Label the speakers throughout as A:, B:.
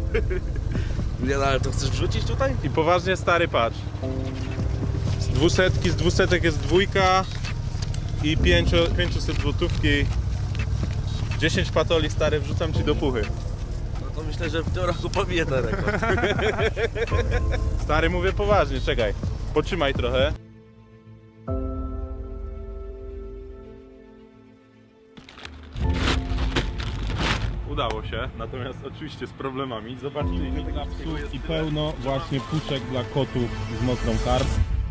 A: Nie no, ale to chcesz wrzucić tutaj?
B: I poważnie stary, patrz. Z 200 jest dwójka i 500 złotówki. 10 patoli stary, wrzucam ci do puchy.
A: No to myślę, że w tym roku pobiję ten rekord.
B: Stary, mówię poważnie, czekaj. Potrzymaj trochę. Udało się, natomiast oczywiście z problemami. Zobaczcie, ile tych psów i pełno właśnie puszek dla kotów z mokrą karp.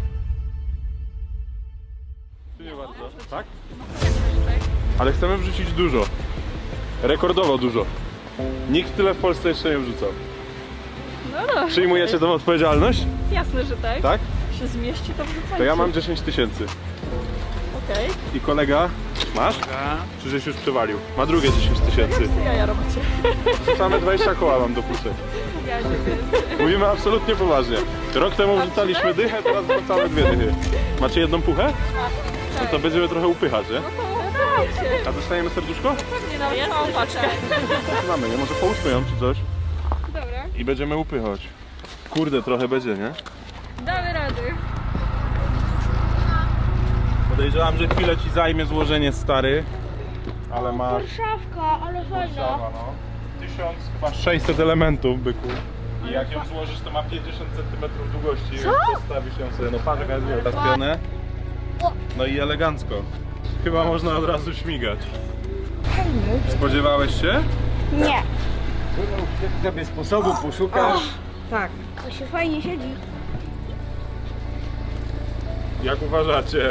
B: Nie bardzo, tak? Ale chcemy wrzucić dużo. Rekordowo dużo. Nikt tyle w Polsce jeszcze nie wrzucał.
C: No dobrze.
B: Przyjmujecie tą odpowiedzialność?
C: Jasne, że tak.
B: Tak?
C: Się zmieści, to wrzucajcie.
B: To ja mam 10 000.
C: Okej.
B: I kolega, masz? Czy żeś już przewalił? Ma drugie 10 000.
C: Co jaja robicie?
B: Same 20 koła mam do puszek.
C: Ja nie wiem.
B: Mówimy absolutnie poważnie. Rok temu wrzucaliśmy dychę, teraz wrzucamy 2 dychy. Macie jedną puchę? No to będziemy trochę upychać, nie?
C: Dajcie.
B: A dostajemy serduszko?
C: Nie nawet całą paczkę.
B: Mamy, nie? Może połóżmy ją czy coś.
C: Dobra.
B: I będziemy upychać. Kurde, trochę będzie, nie?
C: Damy rady.
B: Podejrzewam, że chwilę ci zajmie złożenie, stary. Ale masz...
D: Warszawka, ale fajna.
B: no. 1600 elementów, byku. I jak ją złożysz, to ma 50 cm długości. Co? Postawisz ją sobie, no patrz jaka jest roztapione. No i elegancko. Chyba można od razu śmigać. Spodziewałeś się?
D: Nie.
E: Sobie sposobu poszukasz.
D: Tak. To się fajnie siedzi.
B: Jak uważacie?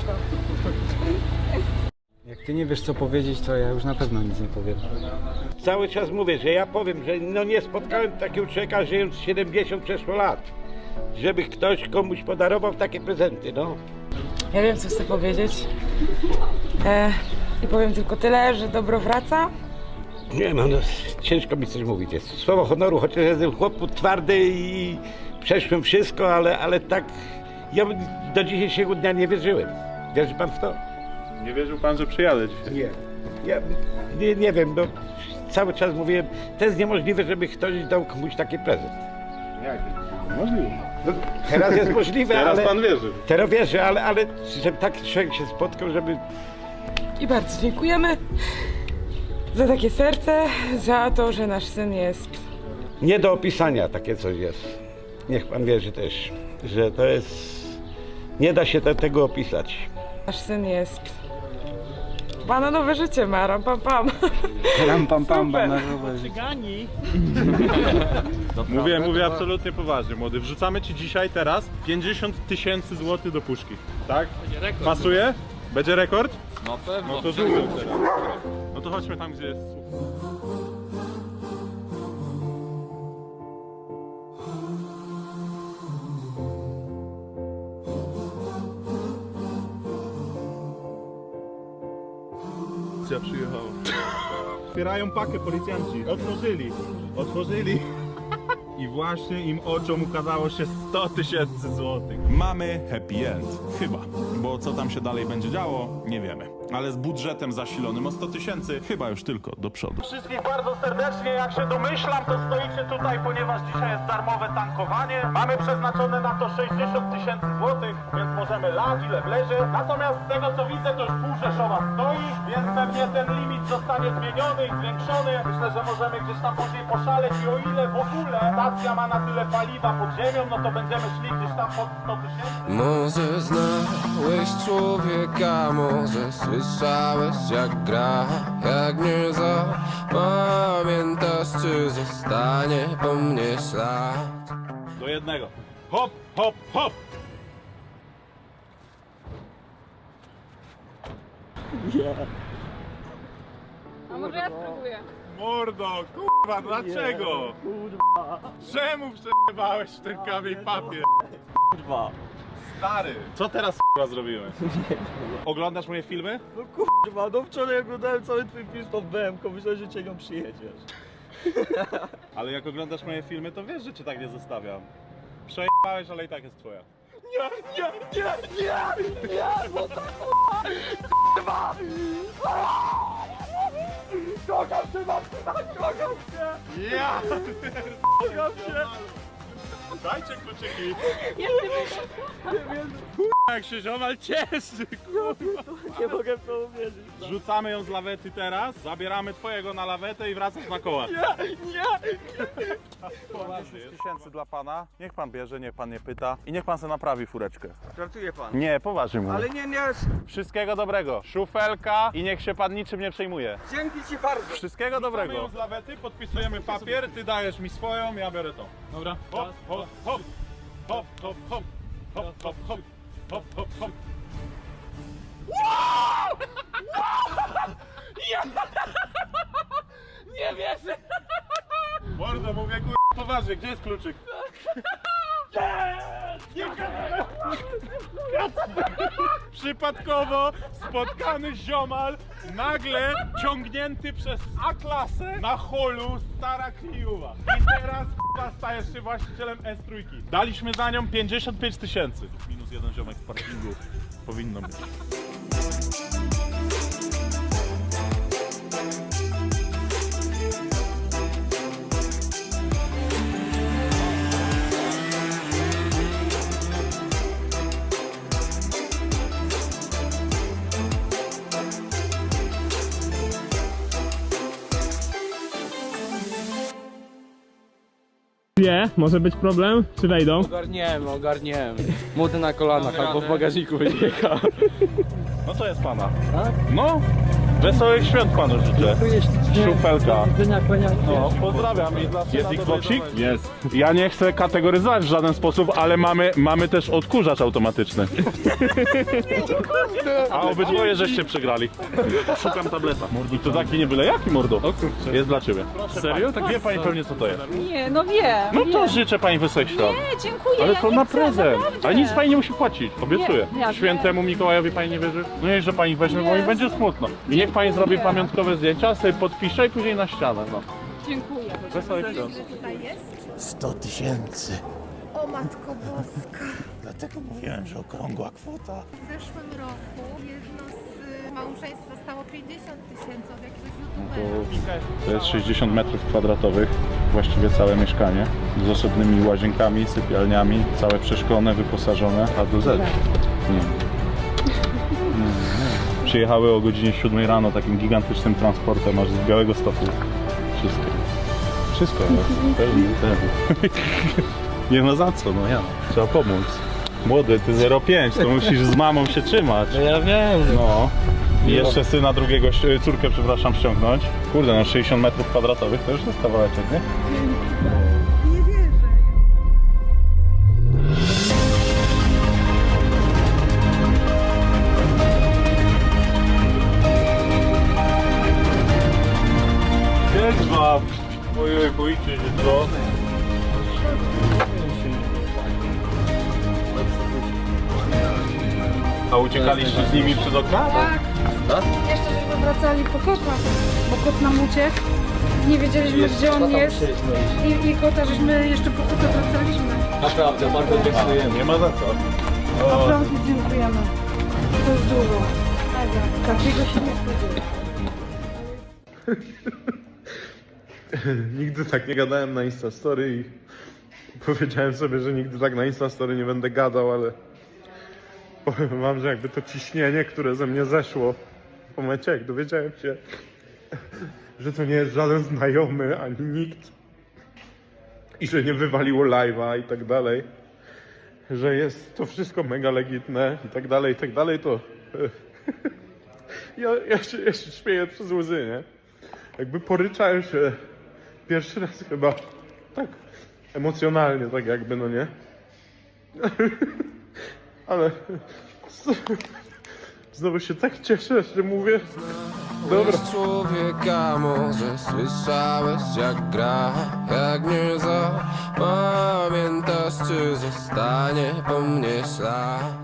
E: Jak ty nie wiesz co powiedzieć, to ja już na pewno nic nie powiem.
F: Cały czas mówię, że ja powiem, że no nie spotkałem takiego człowieka, żyjąc 70 przeszło lat. Żeby ktoś komuś podarował takie prezenty, no.
G: Ja wiem, co chcę powiedzieć. I powiem tylko tyle, że dobro wraca.
F: Nie no, ciężko mi coś mówić jest. Słowo honoru, chociaż jestem chłop twardy i przeszłem wszystko, ale tak ja do dzisiejszego dnia nie wierzyłem. Wierzy pan w to?
B: Nie wierzył pan, że przyjadę dzisiaj?
F: Nie. Ja nie wiem, no cały czas mówiłem, to jest niemożliwe, żeby ktoś dał komuś taki prezent.
B: Jak? Możliwe.
F: No, teraz jest możliwe,
B: Teraz
F: ale...
B: pan wierzy.
F: Teraz wierzę, ale żeby taki człowiek się spotkał, żeby...
G: I bardzo dziękujemy za takie serce, za to, że nasz syn jest.
F: Nie do opisania takie coś jest. Niech pan wierzy też, że to jest... Nie da się tego opisać.
G: Nasz syn jest. Bananowe życie ma, ram pam pam.
E: Ram pam pam,
G: Super.
E: bananowe.
B: Mówię absolutnie poważnie, młody. Wrzucamy ci dzisiaj, teraz 50 000 złotych do puszki. Tak? Pasuje? Będzie rekord?
A: No pewno.
B: No to dużo teraz. No to chodźmy tam, gdzie jest słup. Policja przyjechała. Otwierają pakę policjanci. Otworzyli. I właśnie im oczom ukazało się 100 000 złotych.
H: Mamy happy end. Chyba. Bo co tam się dalej będzie działo, nie wiemy. Ale z budżetem zasilonym o 100 000 chyba już tylko do przodu.
B: Wszystkich bardzo serdecznie, jak się domyślam, to stoicie tutaj, ponieważ dzisiaj jest darmowe tankowanie. Mamy przeznaczone na to 60 000 złotych, więc możemy lać ile wlezie. Natomiast z tego co widzę, to już pół Rzeszowa stoi, więc pewnie ten limit zostanie zmieniony i zwiększony. Myślę, że możemy gdzieś tam później poszaleć i o ile w ogóle stacja ma na tyle paliwa pod ziemią, no to będziemy szli gdzieś tam pod 100 000.
I: Może znałeś człowieka, może słyszałeś jak gra. Jak nie zapamiętasz, czy zostanie po mnie ślad.
B: Do jednego. Hop, hop, hop!
C: A może ja spróbuję?
B: Mordo, kurwa, dlaczego? Kurwa. Czemu przejebałeś w ten kamień papier?
A: Kurwa.
B: Stary, co teraz kurwa zrobiłem? Oglądasz moje filmy?
A: No kurwa, no wczoraj oglądałem cały twój film pod BM-ką, myślałem, że cię nią przyjedziesz.
B: Ale jak oglądasz moje filmy, to wiesz, że cię tak nie zostawiam. Przejebałeś, ale i tak jest twoja.
A: Kocham cię, Martyna, kocham cię!
B: Ja!
A: Kocham cię!
B: Dajcie kluczyki.
H: Jak się ziomal cieszy, kurwa.
A: Nie mogę w to uwierzyć.
B: Rzucamy ją z lawety teraz, zabieramy twojego na lawetę i wracasz na koła.
A: Nie!
B: 10 tysięcy dla pana, niech pan bierze, niech pan nie pyta i niech pan sobie naprawi fureczkę.
A: Żartuje pan.
B: Nie, poważnie mówię.
A: Ale nie,
B: Wszystkiego dobrego, szufelka i niech się pan niczym nie przejmuje.
A: dzięki ci bardzo.
B: Wszystkiego dobrego. Ją z lawety, podpisujemy papier, ty dajesz mi swoją, ja biorę tą. Dobra? Hop, hop, hop, hop, hop, hop, hop, hop, hop, hop, hop, hop.
A: Nie wierzę!
B: Mordo, mówię poważnie, gdzie jest kluczyk? Przypadkowo spotkany ziomal, nagle ciągnięty przez A-klasę na holu stara Kliuwa. I teraz stajesz się właścicielem S3. Daliśmy za nią 55 tysięcy. Minus jeden ziomek z parkingu powinno być.
J: Może być problem? Czy wejdą?
E: Ogarniemy. Młody na kolanach albo w bagażniku będzie jechał.
B: No to jest pana. Tak? No. Wesołych świąt panu życzę. Szufelka. No, pozdrawiam. I dla jest Xboxik? Jest. Ja nie chcę kategoryzować w żaden sposób, ale mamy też odkurzacz automatyczny. A obydwoje żeście przegrali. Szukam tableta. I to taki nie byle jaki, mordo. Jest dla ciebie. Serio? Tak wie pani pewnie co to jest.
C: Nie, no wiem.
B: No to życzę pani wesołych świąt.
C: Nie, dziękuję.
B: Ale
C: ja
B: to
C: nie
B: na
C: chcę,
B: prezent.
C: naprawdę.
B: A nic pani nie musi płacić, obiecuję.
C: Nie, ja
B: Świętemu Mikołajowi pani nie wierzy? No niech, że pani weźmie, bo mi będzie smutno. I niech pani zrobi pamiątkowe zdjęcia, sobie podpisze i później na ścianę. No.
C: Dziękuję.
B: Wesołych świąt.
I: 100 tysięcy.
D: O Matko Boska.
B: Dlatego mówiłem, że okrągła kwota.
K: W zeszłym roku jedno z małżeństw dostało 50 tysięcy od jakiegoś youtubera.
B: To jest 60 metrów kwadratowych, właściwie całe mieszkanie, z osobnymi łazienkami, sypialniami, całe przeszklone, wyposażone, a do Z. Nie. Przyjechały o godzinie 7 rano takim gigantycznym transportem aż z Białegostoku. Wszystko. Wszystko jest. Pewnie. Nie ma za co, no ja. Trzeba pomóc. Młody, ty 0,5, to musisz z mamą się trzymać.
E: No ja wiem.
B: No. I jeszcze syna drugiego, córkę przepraszam, ściągnąć. Kurde, no 60 metrów kwadratowych to już jest kawałeczek, nie?
K: Nie wierzę.
B: Jest wam! Ojej, boicie się co? A uciekaliście z nimi przez okna?
C: Tak. Jeszcze żeśmy wracali po kota, bo kot nam uciekł. Nie wiedzieliśmy, gdzie on jest. I kota, żeśmy jeszcze po kota wracaliśmy.
E: Naprawdę, bardzo dziękujemy.
B: Nie ma za co.
C: Naprawdę dziękujemy. To jest dużo. Takiego się nie spodziewałem.
L: Nigdy tak nie gadałem na Instastory i powiedziałem sobie, że nigdy tak na Instastory nie będę gadał, ale powiem wam, że jakby to ciśnienie, które ze mnie zeszło w momencie, jak dowiedziałem się, że to nie jest żaden znajomy ani nikt i że nie wywaliło live'a i tak dalej, że jest to wszystko mega legitne i tak dalej, to ja się śmieję przez łzy, nie? Jakby poryczałem się pierwszy raz chyba tak emocjonalnie, tak jakby, no nie? Ale znowu się tak cieszę, że mówię, dobra.
I: Człowieka może słyszałeś jak gra, jak nie zapamiętasz, czy zostanie po mnie ślad.